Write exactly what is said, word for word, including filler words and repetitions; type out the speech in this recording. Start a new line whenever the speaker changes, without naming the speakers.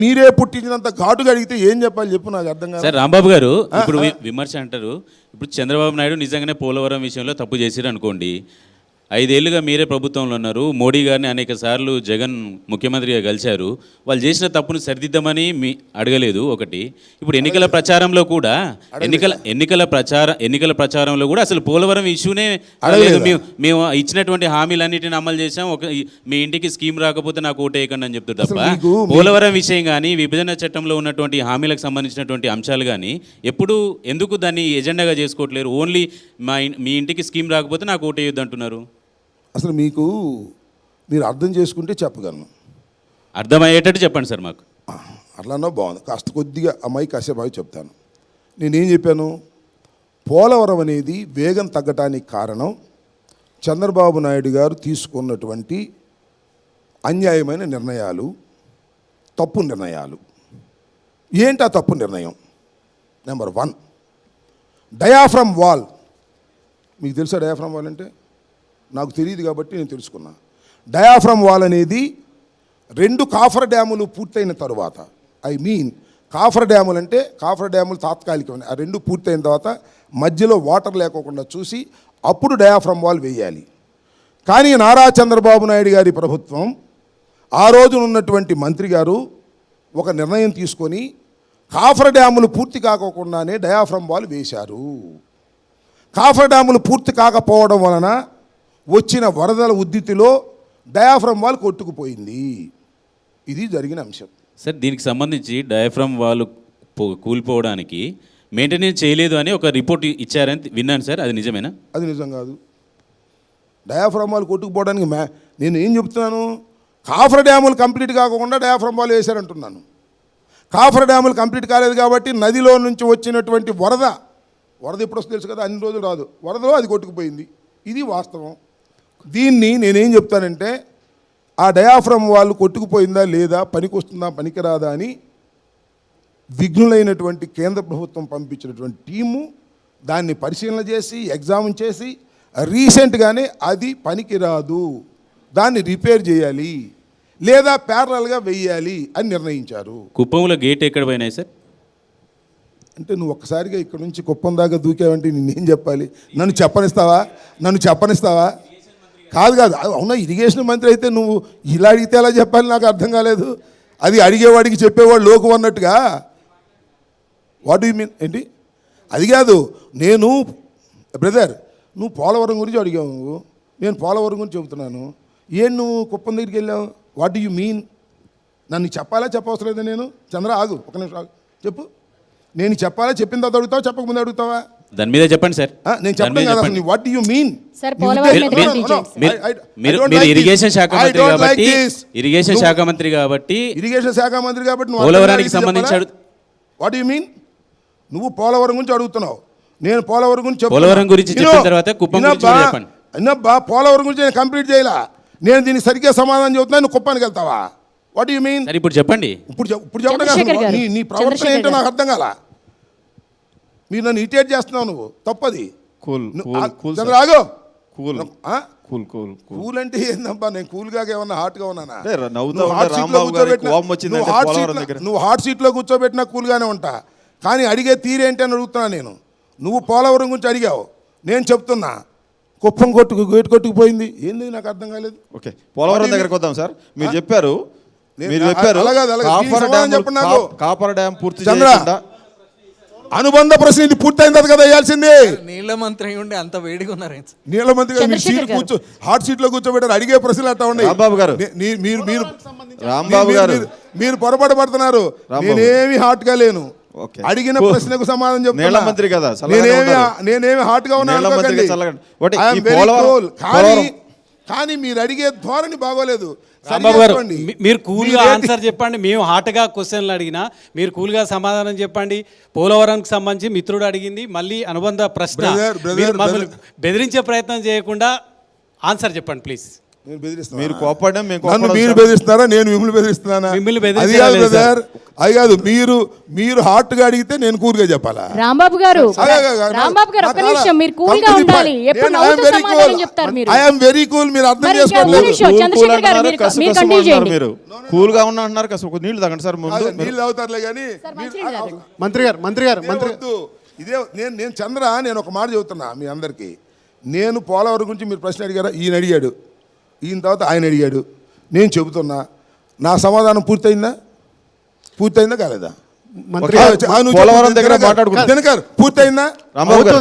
మీరే పుట్టించినంత ఘాటుగా అడిగితే ఏం చెప్పాలి చెప్పు, నాకు అర్థం కాదు.
సార్ రాంబాబు గారు ఇప్పుడు విమర్శ అంటారు, ఇప్పుడు చంద్రబాబు నాయుడు నిజంగానే పోలవరం విషయంలో తప్పు చేసిరు అనుకోండి, ఐదేళ్లుగా మీరే ప్రభుత్వంలో ఉన్నారు, మోడీ గారిని అనేక సార్లు జగన్ ముఖ్యమంత్రిగా కలిశారు, వాళ్ళు చేసిన తప్పును సరిదిద్దామని మీ అడగలేదు ఒకటి. ఇప్పుడు ఎన్నికల ప్రచారంలో కూడా ఎన్నికల ఎన్నికల ప్రచార ఎన్నికల ప్రచారంలో కూడా అసలు పోలవరం ఇష్యూనే అడగలేదు. మేము మేము ఇచ్చినటువంటి హామీలన్నిటిని అమలు చేసాం, ఒక మీ ఇంటికి స్కీమ్ రాకపోతే నాకు ఓటు వేయకండి అని చెప్తారు తప్ప పోలవరం విషయం కానీ విభజన చట్టంలో ఉన్నటువంటి హామీలకు సంబంధించినటువంటి అంశాలు కానీ ఎప్పుడు ఎందుకు దాన్ని ఎజెండాగా చేసుకోవట్లేరు? ఓన్లీ మా మీ ఇంటికి స్కీమ్ రాకపోతే నాకు ఓటు వేయొద్దు అంటున్నారు.
అసలు మీకు మీరు అర్థం చేసుకుంటే చెప్పగలను.
అర్థమయ్యేటట్టు చెప్పండి సార్ మాకు.
అట్లానో బాగుంది, కాస్త కొద్దిగా అమ్మాయి కాసేపు అవి చెప్తాను. నేనేం చెప్పాను, పోలవరం అనేది వేగం తగ్గటానికి కారణం చంద్రబాబు నాయుడు గారు తీసుకున్నటువంటి అన్యాయమైన నిర్ణయాలు, తప్పు నిర్ణయాలు. ఏంటి ఆ తప్పు నిర్ణయం? Number one, diaphragm wall. మీకు తెలుసా డయాఫ్రమ్ వాల్ అంటే? నాకు తెలియదు కాబట్టి నేను తెలుసుకున్నా. డయాఫ్రమ్ వాల్ అనేది రెండు కాఫర్ డ్యాములు పూర్తయిన తర్వాత, ఐ మీన్ కాఫర్ డ్యాములు అంటే కాఫర్ డ్యాములు తాత్కాలికమైన, ఆ రెండు పూర్తయిన తర్వాత మధ్యలో వాటర్ లేకోకుండా చూసి అప్పుడు డయాఫ్రమ్ వాల్ వేయాలి. కానీ నారా చంద్రబాబు నాయుడు గారి ప్రభుత్వం, ఆ రోజున ఉన్నటువంటి మంత్రి గారు ఒక నిర్ణయం తీసుకొని కాఫర్ డ్యాములు పూర్తి కాకోకుండానే డయాఫ్రమ్ వాల్ వేశారు. కాఫర్ డ్యాములు పూర్తి కాకపోవడం వలన వచ్చిన వరదల ఉద్ధృతిలో డయాఫ్రమ్ వాల్ కొట్టుకుపోయింది. ఇది జరిగిన అంశం.
సార్ దీనికి సంబంధించి డయాఫ్రమ్ వాల్ కూలిపోవడానికి మెయింటెనెన్స్ చేయలేదు అని ఒక రిపోర్ట్ ఇచ్చారని విన్నాను సార్, అది నిజమేనా?
అది నిజం కాదు. డయాఫ్రమ్ వాల్ కొట్టుకుపోవడానికి మ్యా నేను ఏం చెప్తున్నాను, కాఫర్ డ్యాములు కంప్లీట్ కాకుండా డయాఫ్రమ్ వాల్ వేశారంటున్నాను. కాఫర్ డ్యాములు కంప్లీట్ కాలేదు కాబట్టి నదిలో నుంచి వచ్చినటువంటి వరద వరద ఎప్పుడు వస్తుంది తెలుసు కదా, అన్ని రోజులు రాదు, వరదలో అది కొట్టుకుపోయింది. ఇది వాస్తవం. దీన్ని నేనేం చెప్తానంటే, ఆ డయాఫ్రమ్ వాళ్ళు కొట్టుకుపోయిందా లేదా, పనికి వస్తుందా పనికిరాదా అని విఘ్నులైనటువంటి కేంద్ర ప్రభుత్వం పంపించినటువంటి టీము దాన్ని పరిశీలన చేసి ఎగ్జామిన్ చేసి రీసెంట్గానే అది పనికిరాదు, దాన్ని రిపేర్ చేయాలి లేదా ప్యారలల్గా వెయ్యాలి అని నిర్ణయించారు.
కుప్పంలో గేట్ ఎక్కడ పోయినాయి సార్?
అంటే నువ్వు ఒక్కసారిగా ఇక్కడ నుంచి కుప్పం దాకా దూకావంటే నేనేం చెప్పాలి? నన్ను చెప్పనిస్తావా? నన్ను చెప్పనిస్తావా? కాదు కాదు అవునా, ఇరిగేషన్ మంత్రి అయితే నువ్వు ఇలా అడిగితే ఎలా చెప్పాలి నాకు అర్థం కాలేదు. అది అడిగేవాడికి చెప్పేవాడు లోకు అన్నట్టుగా. వాట్ యు మీన్ ఏంటి? అది కాదు, నేను బ్రదర్ నువ్వు పోలవరం గురించి అడిగావు, నువ్వు నేను పోలవరం గురించి చెబుతున్నాను. ఏం నువ్వు కుప్పం దగ్గరికి వెళ్ళావు? What you mean? నన్ను చెప్పాలా చెప్పవసరం లేదా? నేను చంద్ర ఆగు ఒక నిమిషం ఆగు, చెప్పు. నేను చెప్పాలా, చెప్పిన తర్వాత అడుగుతావా, చెప్పకముందు అడుగుతావా?
దాని మీద చెప్పండి సార్.
నేను చెప్పాను కదా, వాట్ యు మీన్?
మీరు ఇరిగేషన్ శాఖ మంత్రి కాబట్టి ఇరిగేషన్ శాఖ మంత్రి కాబట్టి
ఇరిగేషన్ శాఖ మంత్రి కాబట్టి
పోలవరానికి సంబంధించి
వాట్ యు మీన్? నువ్వు పోలవరం గురించి అడుగుతున్నావు, నేను పోలవరం గురించి
పోలవరం గురించి చెప్పిన తర్వాత కుప్పం గురించి చెప్పండి.
అన్నబ్బా పోలవరం గురించి నేను కంప్లీట్ చేయాల, నేను దీన్ని సరిగ్గా సమాధానం చెబుతున్నా, నువ్వు కుప్పానికి వెళ్తావా? What you mean?
ఇప్పుడు చెప్పండి.
ఇప్పుడు ఇప్పుడు చెప్పడం నీ నీ ప్రవర్తన ఏంటో నాకు అర్థం కాల. మీరు నన్ను ఇరిటేట్ చేస్తున్నావు, నువ్వు తప్పది. చంద్రాగో కూల్ కూల్ కూల్ అంటే ఏందబ్బా? నేను కూల్గా ఏమన్నా హాట్గా ఉన్నానా? నువ్వు హాట్ సీట్లో కూర్చోబెట్టినా కూల్గానే ఉంటా, కానీ అడిగే తీరేంటి అని అడుగుతున్నా నేను. నువ్వు పోలవరం గురించి అడిగావు, నేను చెప్తున్నా కుప్పం కొట్టుకు గేటు కొట్టుకుపోయింది. ఏంది నాకు అర్థం కాలేదు.
ఓకే, పోలవరం దగ్గరకు వద్దాం సార్. మీరు చెప్పారు మీరు చెప్పారు కాపర్ డ్యామ్ పూర్తి చేయకుండా
అనుబంధ ప్రశ్న ఇది పూర్తయింది కదా వేయాల్సింది.
నీళ్ళ మంత్రి ఉండి అంత వేడిగా ఉన్నారు.
నీళ్ళ మంత్రి మీరు సీట్ కూర్చో హాట్ సీట్ లో కూర్చోబెట్టారు, అడిగే ప్రశ్నలు అట్లా ఉన్నాయి.
రాంబాబు గారు
మీరు మీరు
రాంబాబు గారు
మీరు పొరపాటు పడుతున్నారు. నేనేమి హాట్ గా లేను, అడిగిన ప్రశ్నకు సమాధానం చెప్తున్నా.
మంత్రి కదా,
నేనేమి నేనేమి హాట్ గా ఉన్నాను. కానీ మీరు అడిగే ధోరణి బాగోలేదు.
మీరు కూల్గా ఆన్సర్ చెప్పండి, మేము హాట్గా క్వశ్చన్లు అడిగినా మీరు కూల్గా సమాధానం చెప్పండి. పోలవరంకి సంబంధించి మిత్రుడు అడిగింది మళ్ళీ అనుబంధ ప్రశ్న, బెదిరించే ప్రయత్నం చేయకుండా ఆన్సర్ చెప్పండి ప్లీజ్.
మీరు కోపడడం
మీరు బెదిరిస్తారా, నేను మిమ్మల్ని బెదిరిస్తున్నానా?
మిమ్మల్ని బెదిరించారు.
అది కాదు, మీరు మీరు హార్ట్గా అడిగితే నేను కూల్గా చెప్పాలా?
రాంబాబు గారు
ఆగు, ఆగు, ఆగు.
రాంబాబు గారు ఒక్క
నాకు
నిమిషం, మీరు కూల్ గా
company
ఉండాలి.
point.
ఎప్పుడు
నేను
నవ్వుతూ
I am very
సమాధానం
cool.
చెప్తారు మీరు.
I am very cool. మీరు అర్థం
మరి ఇంకా
చేసుకోలేదు.
ఒక్క నిమిషం, చంద్రశేఖర్ గారు మీరు
కసు
మీరు
కసు
కంటిన్యూ
అంటున్నారు
చేయండి.
మీరు కూల్ గా ఉన్నా అంటున్నారు. కాస్త ఒక నీళ్లు తాగండి సార్ ముందు.
అదే, నీళ్ళు అవుతారులే కానీ
సార్, మంచినీళ్ళు తాగండి.
మంత్రి గారు మంత్రి గారు మంత్రి
వద్దు. ఇదే నేను నేను చంద్ర నేను ఒక మాట చెబుతున్నా మీ అందరికీ. నేను పోలవరం గురించి మీరు ప్రశ్న అడిగారా? ఈయన అడిగాడు, ఈయన తర్వాత ఆయన అడిగాడు, నేను చెబుతున్నా. నా సమాధానం పూర్తయిందా? పూర్తయిందా కాలేదా?
మంత్రి
ఆ,
గారు
ఆ, నువ్వు
పోలవరం
చెప్పు.
దగ్గర
దినకర్,
మాట్లాడుకుందాం.
దినకర్, పూర్తయిందా?
రాంబాబు గారు